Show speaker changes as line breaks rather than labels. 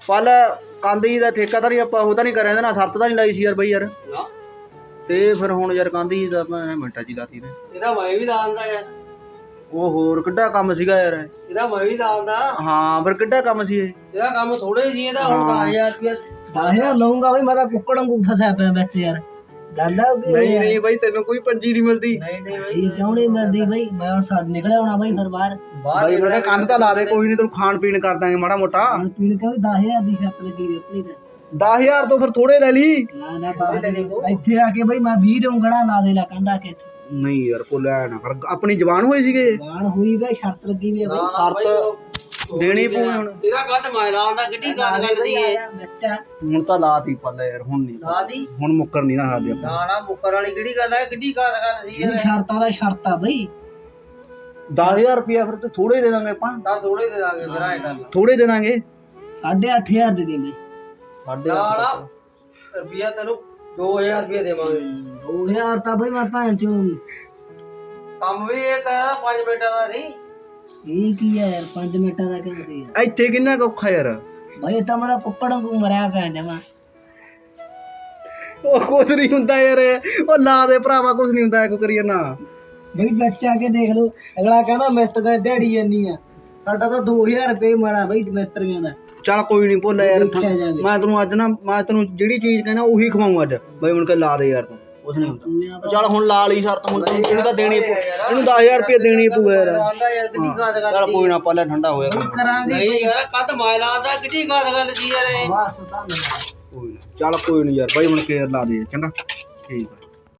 ਪਲ ਕੰਧ ਜੀ ਦਾ ਠੇਕਾ ਤਾਂ ਨਹੀਂ ਆਪਾਂ ਉਹ ਤਾਂ ਨਹੀਂ ਕਰਿਆ ਨਾ, ਸ਼ਰਤ ਤਾਂ ਨਹੀਂ ਲਾਈ ਸੀ ਯਾਰ ਬਈ ਯਾਰ। ਤੇ ਫਿਰ ਹੁਣ ਯਾਰ ਕੰਧ ਜੀ ਦਾ ਆਪਾਂ ਮਿੰਟਾਂ 'ਚ ਹੀ ਲਾਤੀ ਨੇ।
ਇਹਦਾ ਮੈਂ ਵੀ ਲਾ ਦਿੰਦਾ ਯਾਰ।
ਉਹ ਹੋਰ ਕਿੱਡਾ ਕੰਮ ਸੀਗਾ ਯਾਰ।
ਇਹਦਾ ਮੈਂ ਵੀ ਲਾ ਦਿੰਦਾ।
ਹਾਂ ਫਿਰ ਕਿੱਡਾ ਕੰਮ ਸੀ ਇਹ।
ਇਹਦਾ ਕੰਮ ਥੋੜੇ ਸੀ, ਇਹਦਾ ਹੁਣ 10,000 ਰੁਪਇਆ
10,000 ਲਊਂਗਾ ਬਈ। ਮੈਂ ਤਾਂ ਕੁੱਕੜ ਵਾਂਗੂ ਫਸਿਆ ਪਿਆ ਵਿੱਚ ਯਾਰ। ਗੱਲ ਆ
ਨਹੀਂ ਨਹੀਂ ਬਈ ਤੈਨੂੰ ਕੋਈ ਪੰਜੀ ਨਹੀਂ ਮਿਲਦੀ।
ਨਹੀਂ
ਬਈ ਕਿਉਂ ਨਹੀਂ ਮਿਲਦੀ ਬਈ? ਮੈਂ ਹੁਣ ਛੱਡ ਨਿਕਲਿਆ ਹੋਣਾ ਬਈ ਫਿਰ ਬਾਹਰ।
ਬਾਈ ਮੇਰੇ ਕੰਧ ਤਾਂ ਲਾ ਦੇ, ਕੋਈ ਨਹੀਂ ਤੈਨੂੰ ਖਾਣ ਪੀਣ ਕਰ ਦਾਂਗੇ ਮਾੜਾ ਮੋਟਾ।
ਖਾਣ ਪੀਣ ਕਾ ਵੀ 10,000 ਦੀ ਸ਼ਰਤ ਲੱਗੀ ਹੋਈ ਆਪਣੀ ਤਾਂ।
10,000 ਤੋਂ ਫਿਰ ਥੋੜੇ ਲੈ ਲਈ।
ਨਾ ਇੱਥੇ ਆ ਕੇ ਬਈ ਮੈਂ 20 ਦਊਂਗਾ, ਲਾ ਦੇ ਲਾ ਕਹਿੰਦਾ ਕਿ
ਨਹੀਂ ਯਾਰ ਕੋਲਿਆ ਨਾ ਕਰ, ਆਪਣੀ ਜ਼ਬਾਨ ਹੋਈ ਸੀਗੇ।
ਬਾਣ ਹੋਈ ਬਈ, ਸ਼ਰਤ ਲੱਗੀ ਵੀ ਬਈ।
ਸ਼ਰਤ ਦੇਣੀ ਪਊ ਹੁਣ।
ਇਹਦਾ ਕੱਦ ਮੈਂ ਲਾਉਂਦਾ, ਕਿੱਡੀ ਗੱਲ ਕਰਦੀ ਏ।
ਬੱਚਾ
ਹੁਣ ਤਾਂ ਲਾਤੀ ਪੱਲੇ ਯਾਰ, ਹੁਣ ਨਹੀਂ
ਲਾ ਦੀ
ਹੁਣ ਮੁੱਕਰ ਨਹੀਂ ਨਾ ਸਕਦੇ ਆਪਾਂ।
ਨਾ ਨਾ ਮੁੱਕਰ ਵਾਲੀ ਕਿਹੜੀ ਗੱਲ ਹੈ, ਕਿੱਡੀ ਗੱਲ ਸੀ
ਇਹ ਸ਼ਰਤਾਂ ਦਾ ਸ਼ਰਤ ਆ ਬਈ।
10,000 ਰੁਪਇਆ ਫਿਰ ਤੇ ਥੋੜੇ ਦੇ ਦਾਂਗੇ ਆਪਾਂ।
ਤਾਂ ਥੋੜੇ ਦੇ ਦਾਂਗੇ ਫਿਰ ਆਏ ਗੱਲ।
ਥੋੜੇ ਦੇ ਦਾਂਗੇ
8,500 ਦੇ ਦੇ ਬਈ।
ਨਾ ਰੁਪਿਆ ਤੈਨੂੰ 2,000 ਰੁਪਇਆ ਦੇਵਾਂਗੇ।
2,000 ਤਾਂ ਬਈ ਮੈਂ ਭੈਣ ਚੋ।
ਕੰਮ ਵੀ ਇਹ ਤਾਂ 5 ਮਿੰਟਾਂ ਦਾ ਨਹੀਂ।
ਇਹ ਕੀ ਆ ਯਾਰ, 5 ਮਿੰਟਾਂ ਦਾ ਕਿਉਂ ਸੀ ਯਾਰ?
ਇੱਥੇ ਕਿੰਨਾ ਕੁ ਔਖਾ ਯਾਰ।
ਬਈ ਤਾਂ ਮੇਰਾ ਕੁੱਕੜ ਵਾਂਗੂ ਮਰਿਆ ਪਿਆ ਜਮਾ।
ਉਹ ਕੁਝ ਨਹੀਂ ਹੁੰਦਾ ਯਾਰ, ਉਹ ਲਾ ਦੇ ਭਰਾਵਾ, ਕੁਝ ਨਹੀਂ ਹੁੰਦਾ, ਕੋ ਕਰੀਏ ਨਾ।
ਬਈ ਬੱਚਾ ਕੇ ਦੇਖ ਲਓ, ਅਗਲਾ ਕਹਿੰਦਾ ਮਿਸਤਰੀ ਦਿਹਾੜੀ ਇੰਨੀ ਆ, ਸਾਡਾ ਤਾਂ 2,000 ਰੁਪਏ ਮਾਰਾ ਬਈ ਮਿਸਤਰੀਆਂ ਦਾ।
ਚੱਲ ਕੋਈ ਨਹੀਂ ਭੁੱਲ ਯਾਰ,
ਦੇਖਿਆ ਜਾਵੇ।
ਮੈਂ ਤੈਨੂੰ ਅੱਜ ਨਾ, ਮੈਂ ਤੈਨੂੰ ਜਿਹੜੀ ਚੀਜ਼ ਕਹਿਣਾ ਉਹੀ ਖਵਾਉਂ ਅੱਜ ਬਈ। ਹੁਣ ਕੇ ਲਾ ਦੇ ਯਾਰ, ਤੂੰ ਕੁਝ ਨਹੀਂ ਹੁੰਦਾ। ਚੱਲ ਹੁਣ ਲਾ ਲਈ ਸ਼ਰਤ, ਹੁਣ ਤੈਨੂੰ ਇਹਨੂੰ ਤਾਂ ਦੇਣੀ ਪਊ, ਇਹਨੂੰ 10,000 ਰੁਪਏ ਦੇਣੀ ਪਊ ਯਾਰ।
ਆਂਦਾ ਯਾਰ ਕਿੱਡੀ ਗੱਲ
ਚੱਲ
ਕਰਦੀ
ਕੋਈ ਨਾ, ਪੱਲੇ ਠੰਡਾ ਹੋਇਆ
ਕਰਾਂਗੇ
ਨਹੀਂ ਯਾਰ, ਕੱਦ ਮੈਂ ਲਾਉਂਦਾ, ਕਿੱਡੀ ਗੱਲ ਸੀ ਯਾਰ ਇਹ।
ਬਸ ਤਾਂ
ਕੋਈ ਨਾ। ਚੱਲ ਕੋਈ ਨਹੀਂ ਯਾਰ ਬਾਈ, ਹੁਣ ਕੇ ਲਾ ਦੇ ਚੰਗਾ। ਠੀਕ ਆ।